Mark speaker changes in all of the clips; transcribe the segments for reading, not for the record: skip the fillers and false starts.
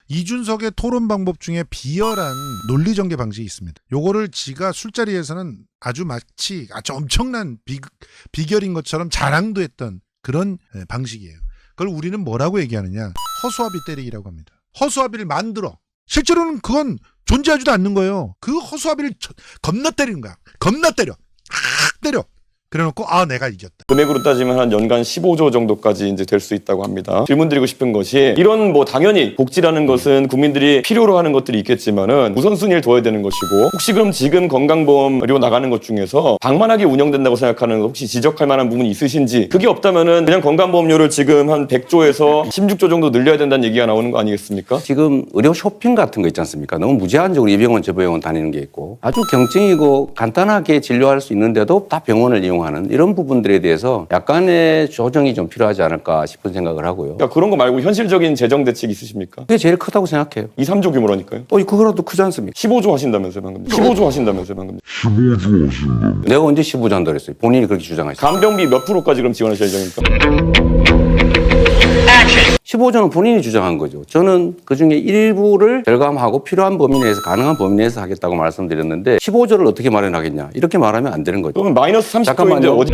Speaker 1: 이준석의 토론 방법 중에 비열한 논리 전개 방식이 있습니다. 요거를 지가 술자리에서는 아주 마치 엄청난 비결인 것처럼 자랑도 했던 그런 방식이에요. 그걸 우리는 뭐라고 얘기하느냐? 허수아비 때리기라고 합니다. 허수아비를 만들어. 실제로는 그건 존재하지도 않는 거예요. 그 허수아비를 겁나 때리는 거야. 겁나 때려. 때려. 그래놓고 내가 이겼다.
Speaker 2: 금액으로 따지면 한 연간 15조 정도까지 이제 될 수 있다고 합니다. 질문드리고 싶은 것이 이런 당연히 복지라는 것은 국민들이 필요로 하는 것들이 있겠지만은 우선순위를 둬야 되는 것이고 혹시 그럼 지금 건강보험료 나가는 것 중에서 방만하게 운영된다고 생각하는 혹시 지적할 만한 부분이 있으신지 그게 없다면은 그냥 건강보험료를 지금 한 100조에서 16조 정도 늘려야 된다는 얘기가 나오는 거 아니겠습니까?
Speaker 3: 지금 의료 쇼핑 같은 거 있지 않습니까? 너무 무제한적으로 이 병원 저 병원 다니는 게 있고 아주 경증이고 간단하게 진료할 수 있는데도 다 병원을 이용하는 이런 부분들에 대해서 약간의 조정이 좀 필요하지 않을까 싶은 생각을 하고요.
Speaker 2: 그러니까 그런 거 말고 현실적인 재정 대책이 있으십니까?
Speaker 3: 그게 제일 크다고 생각해요.
Speaker 2: 2, 3조 규모라니까요.
Speaker 3: 그거라도 크지 않습니까?
Speaker 2: 15조 하신다면서요 방금. 15조 하신다면서요 방금.
Speaker 3: 내가 언제 15조 한다고 했어요? 본인이 그렇게 주장하셨어요.
Speaker 2: 간병비 몇 프로까지 그럼 지원하실 예정입니까?
Speaker 3: 15조는 본인이 주장한 거죠. 저는 그중에 일부를 절감하고 필요한 범위 내에서 가능한 범위 내에서 하겠다고 말씀드렸는데 15조를 어떻게 마련하겠냐 이렇게 말하면 안 되는 거죠.
Speaker 2: 그러면 마이너스 30조인데
Speaker 3: 잠깐만요.
Speaker 2: 어디?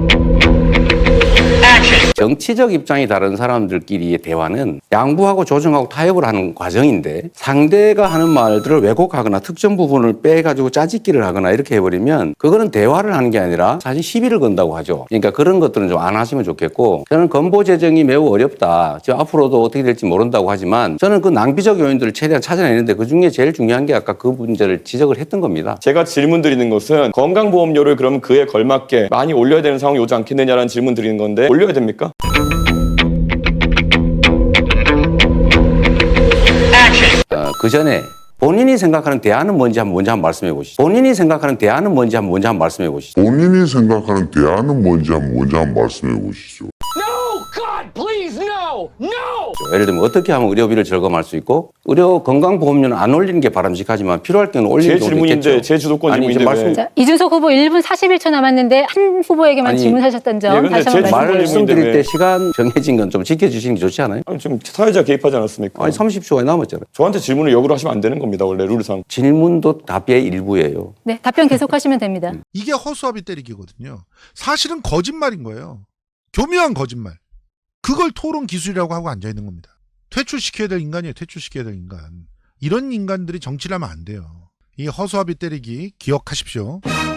Speaker 3: 정치적 입장이 다른 사람들끼리의 대화는 양보하고 조정하고 타협을 하는 과정인데 상대가 하는 말들을 왜곡하거나 특정 부분을 빼가지고 짜집기를 하거나 이렇게 해버리면 그거는 대화를 하는 게 아니라 사실 시비를 건다고 하죠. 그러니까 그런 것들은 좀 안 하시면 좋겠고 저는 건보 재정이 매우 어렵다. 지금 앞으로도 어떻게 될지 모른다고 하지만 저는 그 낭비적 요인들을 최대한 찾아내는데 그중에 제일 중요한 게 아까 그 문제를 지적을 했던 겁니다.
Speaker 2: 제가 질문 드리는 것은 건강보험료를 그럼 그에 걸맞게 많이 올려야 되는 상황이 오지 않겠느냐라는 질문 드리는 건데 올려야 됩니까?
Speaker 3: 그 전에 본인이 생각하는 대안은 뭔지 한번 말씀해 보시죠. 본인이 생각하는 대안은 뭔지 한번 말씀해 보시죠.
Speaker 4: 본인이 생각하는 대안은 뭔지 한번 말씀해 보시죠.
Speaker 5: No! God, please, no! No!
Speaker 3: 예를 들면 어떻게 하면 의료비를 절감할 수 있고 의료 건강보험료는 안 올리는 게 바람직하지만 필요할 경우는 올리는
Speaker 2: 제
Speaker 3: 경우도 있겠죠.
Speaker 2: 질문인데 제 주도권 질문인데 왜?
Speaker 6: 자, 이준석 후보 1분 41초 남았는데 한 후보에게만 질문하셨던 점
Speaker 2: 근데
Speaker 6: 다시
Speaker 2: 제
Speaker 6: 한번 말씀해 주세요.
Speaker 3: 말씀드릴 때 시간 정해진 건 좀 지켜주시는 게 좋지 않아요?
Speaker 2: 아니, 지금 사회자 개입하지 않았습니까?
Speaker 3: 아니 30초가 남았잖아요.
Speaker 2: 저한테 질문을 역으로 하시면 안 되는 겁니다. 원래 룰상.
Speaker 3: 질문도 답의 일부예요.
Speaker 6: 네, 답변 계속하시면 됩니다.
Speaker 1: 이게 허수아비 때리기거든요. 사실은 거짓말인 거예요. 교묘한 거짓말. 그걸 토론 기술이라고 하고 앉아있는 겁니다. 퇴출시켜야 될 인간이에요. 퇴출시켜야 될 인간. 이런 인간들이 정치를 하면 안 돼요. 이 허수아비 때리기 기억하십시오.